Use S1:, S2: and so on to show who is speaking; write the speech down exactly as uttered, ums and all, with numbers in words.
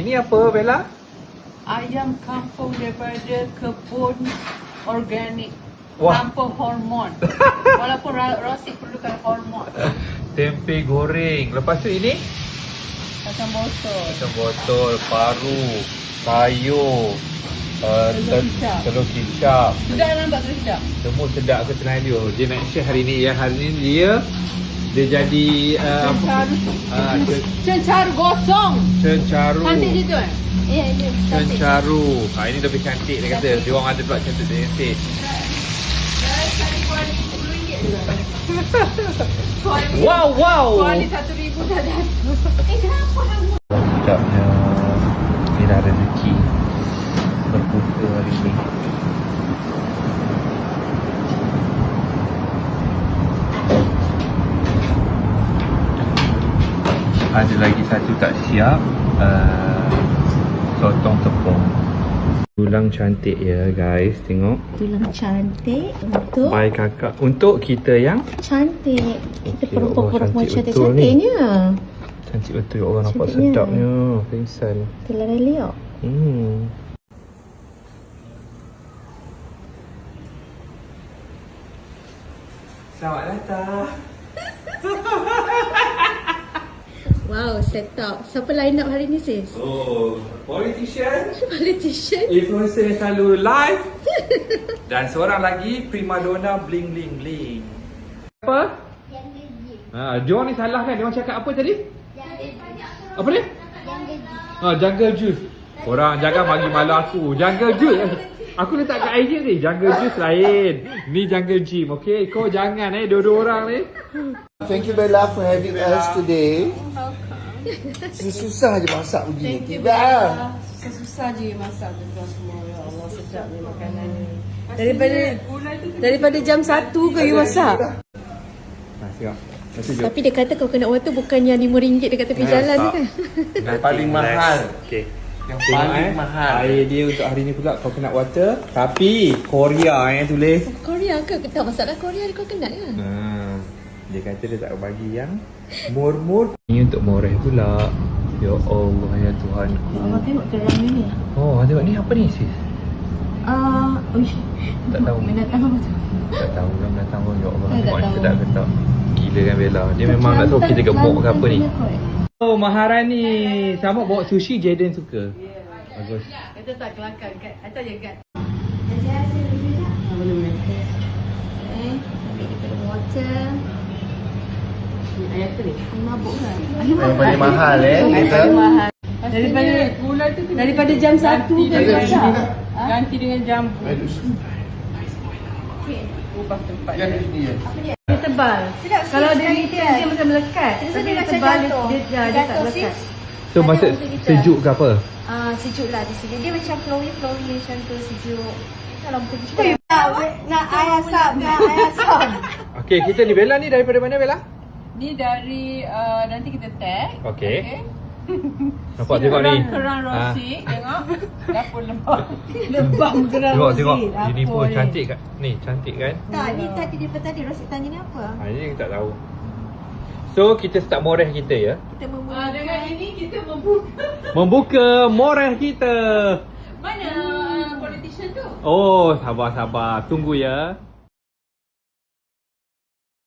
S1: Ini apa, Bella?
S2: Ayam kampung daripada kebun organik.
S1: Wah.
S2: Tanpa hormon. Walaupun Rosyk perlukan hormon.
S1: Tempe goreng. Lepas tu ini?
S2: Kacang botol.
S1: Kacang botol, paru, sayur, uh,
S2: Telur kicap.
S1: telur kicap.
S2: Sudah nampak telur kicap?
S1: Semua sedap ke Tenaga. Dia nak share hari ni ya. Hari ni dia dia jadi uh,
S2: Cencaru.
S1: uh,
S2: Cencaru gosong.
S1: cencaru.
S2: Cantik je tu kan? Ya, ya.
S1: Cencaru. Ha, ini lebih cantik dia kata. Dia orang ada pula cantik-cantik. Wow, wow.
S2: Kuali satu ribu dah dah. Eh, kenapa kamu?
S1: Sedapnya. Ni dah rezeki berbuka hari ni. Ada lagi satu tak siap, uh, sotong tepung. Tulang cantik ya guys, tengok.
S3: Tulang cantik untuk
S1: Bye kakak. Untuk kita yang
S3: cantik. Kita
S1: Okey,
S3: perempuan-perempuan
S1: Allah, cantik
S3: cantik-cantiknya.
S1: cantik betul, orang nampak
S3: Cantiknya.
S1: sedapnya. Pingsan.
S3: Tulang reliok.
S1: Hmm. Selamat datang.
S3: Wow, set up. Siapa line up hari ni sis?
S1: Oh, politician,
S3: Politician.
S1: influencer yang selalu live. Dan seorang lagi primadona bling bling bling. Apa? Ha, John ni salah kan? Dia orang cakap apa tadi? Apa dia? Ha, jungle juice. Orang jangan bagi malu aku. Jungle juice. Aku letak kat I G ni. Jungle juice lain. Ni jungle gym, okey? Kau jangan eh dua-dua orang ni.
S4: Thank you Bella for having us today. Susah je masak begini. Tidak.
S2: Susah-susah je masak betul semua. Ya Allah, sedap ni makanan ni. Daripada daripada jam satu ke you masak?
S1: Ha, tengok.
S3: Tapi dia kata kau kena water bukan yang lima ringgit dekat tepi jalan tu kan?
S4: Yang paling mahal.
S1: Okey.
S4: Yang
S1: Tengok
S4: paling
S1: eh,
S4: mahal.
S1: air dia untuk hari ni pula kau kena water. Tapi Korea eh tulis.
S3: Korea ke? Tak masalah Korea kau kenal kan?
S1: Ha, dia kata dia tak bagi yang mur-mur. Ni untuk moreh pula. Ya Allah ya Tuhanku.
S3: Abang tengok kerang ni.
S1: Oh, tengok ni apa ni sis?
S3: Ah, uh,
S1: Tak tahu.
S3: Mendatang apa tu?
S1: Tak tahu kan datang pun. Ya Allah,
S3: Saya tak
S1: tengok ni
S3: tahu.
S1: sedap ke tak? Gila kan Bella. Dia memang nak tahu kita gemuk ke apa ni. Oh, Maharani. Sama bawa sushi Jaden suka. Bagus.
S2: Kita tak kelakar kat atau je kat.
S3: Boleh boleh. Eh, ambil kita ada water.
S2: Ayat tu ni.
S3: Mabuk kan?
S4: Yang paling mahal eh. Kita.
S2: Mahal. Daripada gula tu daripada jam satu ke masak. Ganti dengan jambu. Ubah tempat.
S3: Dia tebal. Kalau dia dia dia macam melekat. Tapi dia tebal dia dia, dia, dia tak melekat.
S1: So maksud sejuk ke apa?
S3: Ah, sejuk lah di sini. Dia macam flowy flowy macam tu sejuk. Kalau betul kita
S2: Nak air asam, nak air asam.
S1: Okey, kita ni Bella ni daripada mana Bella?
S2: Ni dari uh, nanti kita tag.
S1: Okey. Nampak tengok ni.
S2: Kerang
S1: Ah.
S2: Rosyk, tengok. Dapur lembab. Lembab kerang
S1: Tengok
S2: Rosyk.
S1: tengok.
S2: Apa
S1: Ini pun
S2: ni?
S1: cantik kat. Ni cantik kan?
S3: tak ni tadi daripada tadi Rosyk tanya ni apa?
S1: Ha, ini kita tak tahu. So kita start moreh kita ya.
S3: Kita
S2: Ah,
S3: membuat
S2: dengan ini kita membuka.
S1: Membuka moreh kita.
S2: Mana uh, politician tu?
S1: Oh, sabar sabar. Tunggu ya.